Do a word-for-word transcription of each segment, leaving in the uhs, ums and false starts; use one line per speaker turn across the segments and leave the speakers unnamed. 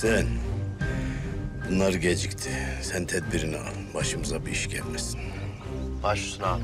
Sen, bunlar gecikti. Sen tedbirini al. Başımıza bir iş gelmesin.
Baş üstüne abi.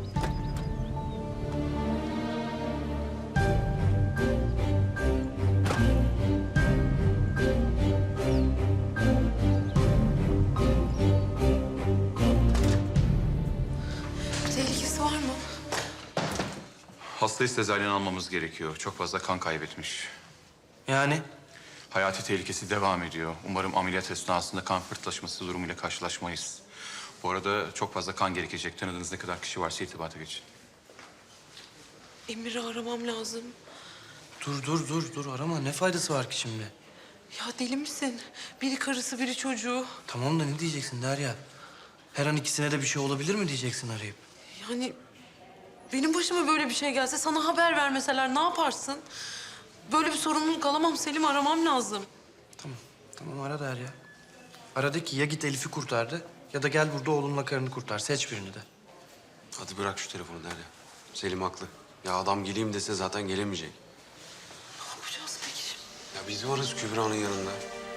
Tehlikesi var mı?
Hastayı sezaryen almamız gerekiyor. Çok fazla kan kaybetmiş.
Yani?
Hayati tehlikesi devam ediyor. Umarım ameliyat esnasında kan fırtlaşması durumuyla karşılaşmayız. Bu arada çok fazla kan gerekecek. Tanıdığınız ne kadar kişi varsa irtibata geçin.
Emir'i aramam lazım.
Dur dur dur dur arama. Ne faydası var ki şimdi?
Ya deli misin? Biri karısı, biri çocuğu.
Tamam da ne diyeceksin Derya? Her an ikisine de bir şey olabilir mi diyeceksin arayıp?
Yani benim başıma böyle bir şey gelse, sana haber vermeseler ne yaparsın? Böyle bir sorumluluk alamam Selim, aramam lazım.
Tamam. Tamam ara Derya. Ara de ki ya git Elif'i kurtardı ya da gel burada oğlunla karını kurtar. Seç birini de.
Hadi bırak şu telefonu Derya. Selim haklı. Ya adam geleyim dese zaten gelemeyecek.
Ne yapacağız peki şimdi?
Ya biz varız Kübra'nın yanında.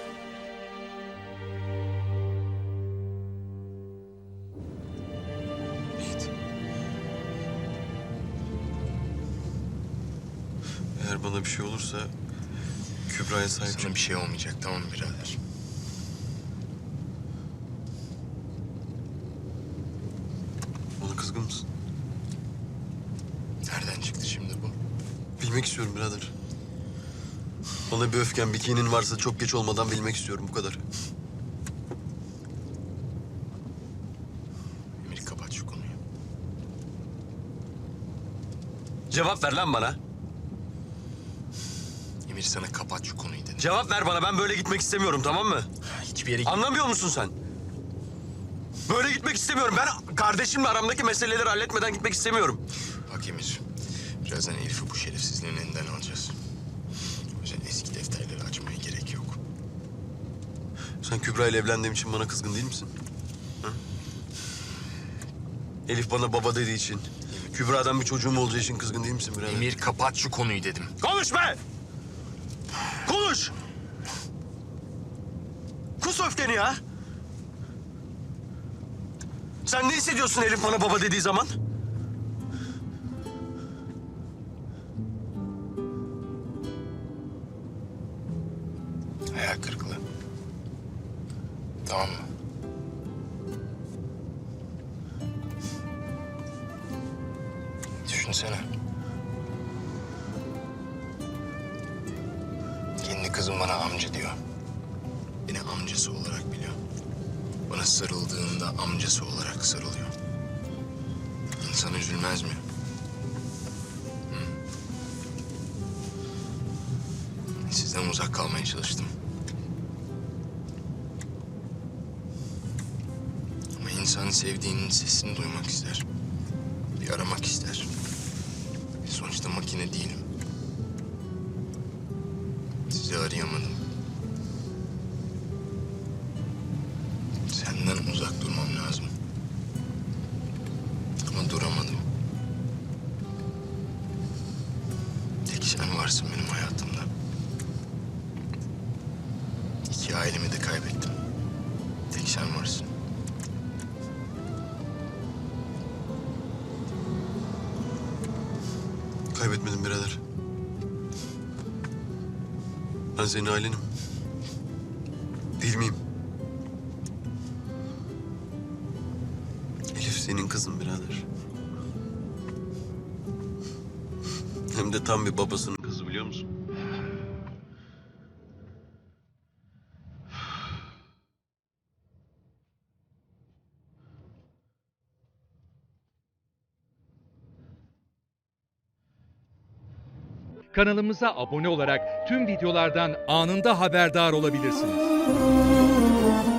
Yiğit. Eğer bana bir şey olursa Kübra'ya sahip çık.
Sana bir şey olmayacak, tamam mı birader?
Bana kızgın mısın?
Nereden çıktı şimdi bu?
Bilmek istiyorum birader. Bana bir öfken, bir kinin varsa çok geç olmadan bilmek istiyorum, bu kadar.
Emir, kapat şu konuyu.
Cevap ver lan bana.
Emir, sana kapat şu konuyu dedim.
Cevap ver bana. Ben böyle gitmek istemiyorum, tamam mı?
Hiçbir yere...
Anlamıyor musun sen? Böyle gitmek istemiyorum. Ben kardeşimle aramdaki meseleleri halletmeden gitmek istemiyorum.
Bak Emir, birazdan Elif'i bu şerefsizliğin elinden alacağız. O yüzden eski defterleri açmaya gerek yok.
Sen Kübra ile evlendiğim için bana kızgın değil misin? Ha? Elif bana baba dediği için, Kübra'dan bir çocuğum olacağı için kızgın değil misin birader?
Emir, kapat şu konuyu dedim.
Konuş be! Konuş! Kus öfkeni ya! Sen ne hissediyorsun Elif bana baba dediği zaman?
Hayal kırıklığı. Tamam mı? Düşünsene. Kendi kızım bana amca diyor. Beni amcası olarak biliyor. Bana sarıldığında amcası olarak sarılıyor. İnsan üzülmez mi? Hı? Sizden uzak kalmaya çalıştım. Ama insan sevdiğinin sesini duymak ister. Bir aramak ister. Sonuçta makine değilim. Sizi arayamadım. Senden uzak durmam lazım. Ama duramadım. Tek sen varsın benim hayatımda. İki ailemi de kaybettim. Tek sen varsın.
Kaybetmedim birader. Ben senin ailenim. Değil miyim? Elif senin kızın birader. Hem de tam bir babasının kızı, biliyor musun?
Kanalımıza abone olarak tüm videolardan anında haberdar olabilirsiniz.